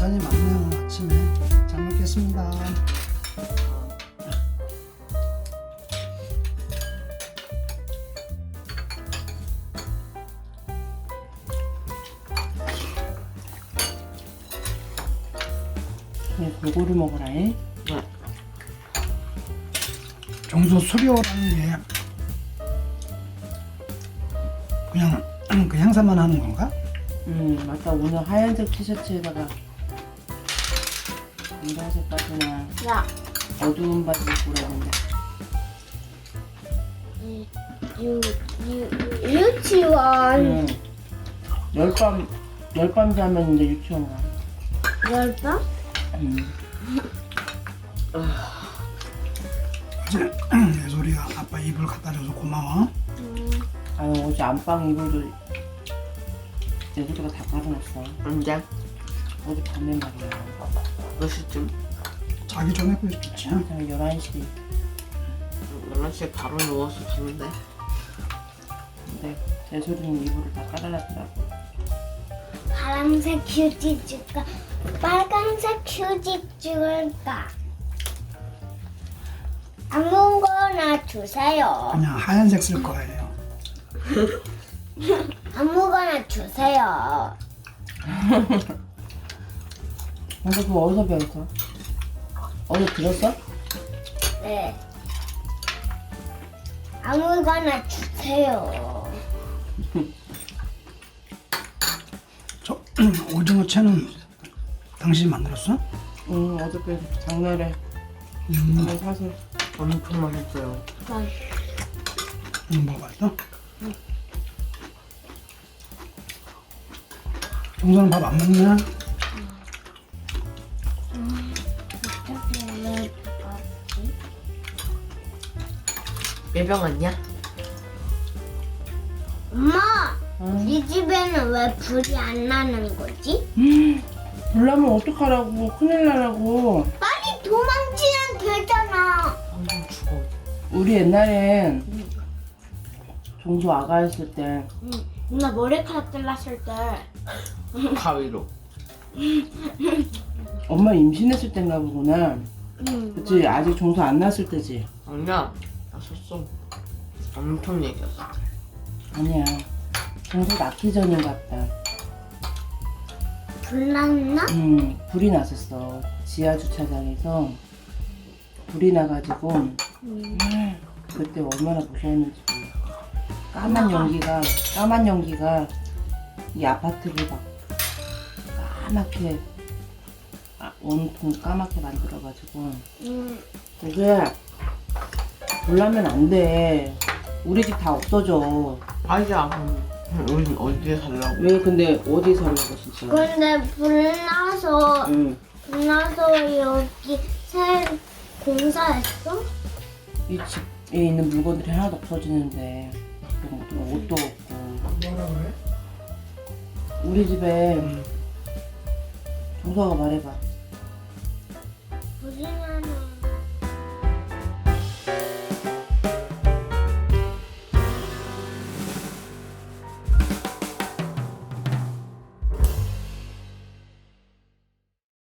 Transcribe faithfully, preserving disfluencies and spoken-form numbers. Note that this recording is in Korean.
반찬이 많네요. 오늘 아침에 잘 먹겠습니다. 그냥 골고루 먹어라. 잉? 네. 정수 수료라는 게 그냥 그 행사만 하는 건가? 음 맞다. 오늘 하얀색 티셔츠에다가 노란색 바지나 야, 어두운 바지 입고 그러는데 유, 유, 유, 유치원 음. 열밤 열밤 자면 이제 유치원 가. 열방? 음. 어제 예솔이가 아빠 이불 갖다 줘서 고마워. 음, 아유 어제 안방 이불을 예술이가 다 깔아놨어. 언제? 어제 밤에 말이야. 몇 시쯤? 자기 전에 그랬겠지. 한 열한 시. 열한 시에 바로 누워서 잤는데. 근데 예술이는 이불을 다 깔아놨더라고. 파란색 휴지 줄까? 빨간색 휴지 줄까? 아무거나 주세요. 그냥 하얀색 쓸 거예요. 아무거나 주세요. 근데 그거 어디서 배웠어? 어디 들었어? 네. 아무거나 주세요. 저 오징어 채는 당신이 만들었어? 응 어저께 장날에 음, 한번 사서. 엄청 맛있어요. 아, 음, 먹어봤어? 정수는 밥 안 먹냐? 어떻게 왜 없지? 예병 왔냐? 엄마, 응. 이 집에는 왜 불이 안 나는 거지? 불나면 어떡하라고. 큰일 나라고. 빨리 도망치면 되잖아. 방금 죽어. 우리 옛날엔 종수 아가였을 때 응. 누나 머리카락 잘랐을 때. 가위로. 엄마 임신했을 때인가 보구나. 응. 그치? 아직 종수 안 났을 때지? 아니야. 났었어. 엄청 얘기했어. 아니야. 종수 낳기 전인가 보다. 불 났나? 음, 불이 났었어. 지하 주차장에서 불이 나가지고 응. 그때 얼마나 무서웠는지 몰라. 까만 연기가 까만 연기가 이 아파트를 막 까맣게 아, 온통 까맣게 만들어가지고 응. 그게 불나면 안 돼. 우리 집 다 없어져. 아니야. 우린 어디에 살라고? 왜 근데 어디 살라고 진짜? 근데 불 나서 응. 불 나서 여기 새 공사했어? 이 집에 있는 물건들이 하나도 없어지는데 그런 것도 옷도 없고. 뭐라 그래? 우리 집에 음. 종서가 말해봐. 불이 나면